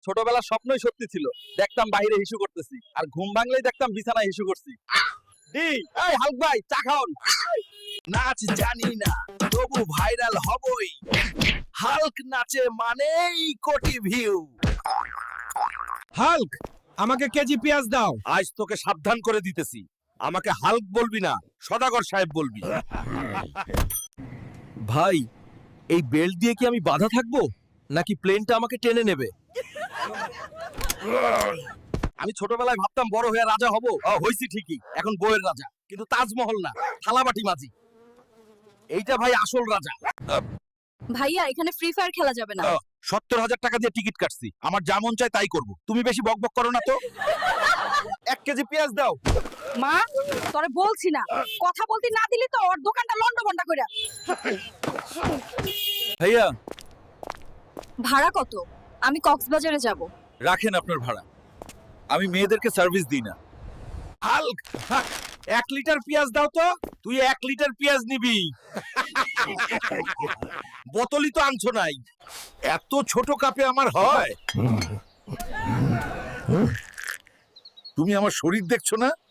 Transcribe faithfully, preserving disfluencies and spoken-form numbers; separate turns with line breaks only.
ছোটবেলার স্বপ্নই সত্যি ছিল। দেখতাম বাইরে হিসু করতেছি, আর ঘুম ভাঙলেই দেখতাম বিছানায় হিসু করছি। ডি এই হাল্ক ভাই, চা খাওন।
নাচ জানি না, তবু ভাইরাল হবই। হাল্ক নাচে মানেই কোটি ভিউ।
হাল্ক, আমাকে কেজি পেঁয়াজ দাও।
আজ তোকে সাবধান করে দিতেছি, আমাকে হাল্ক বলবি না, সদাগর সাহেব বলবি। ভাই, এই বেল্ট দিয়ে কি আমি বাধা থাকবো, নাকি প্লেনটা আমাকে টেনে নেবে?
আমি ছোটবেলায় ভাবতাম বড় হয়ে রাজা হব। ও, হইছি ঠিকই, এখন বইয়ের রাজা, কিন্তু তাজমহল না, থালাবাটি মাঝি। এইটা ভাই আসল রাজা।
ভাইয়া এখানে ফ্রি ফায়ার খেলা যাবে না।
সত্তর হাজার টাকা দিয়ে টিকিট কাটছি, আমার যা মন চায় তাই করব। তুমি বেশি বকবক করো না তো।
এক কেজি পেঁয়াজ দাও।
মা, তোরে বলছি না, কথা বলতে না দিলি তো ওর দোকানটা লন্ডভন্ড কইরা।
ভাইয়া
ভাড়া কত? আমি কক্সবাজারে যাব।
রাখেন আপনার ভাড়া, আমি মেয়েদেরকে সার্ভিস দিই না।
হাল্ক, এক লিটার পেঁয়াজ দাও তো। তুই এক লিটার পেঁয়াজ নিবি, বোতলই তো আনছো নাই। এত ছোট কাপে আমার হয়? তুমি আমার শরীর দেখছো না?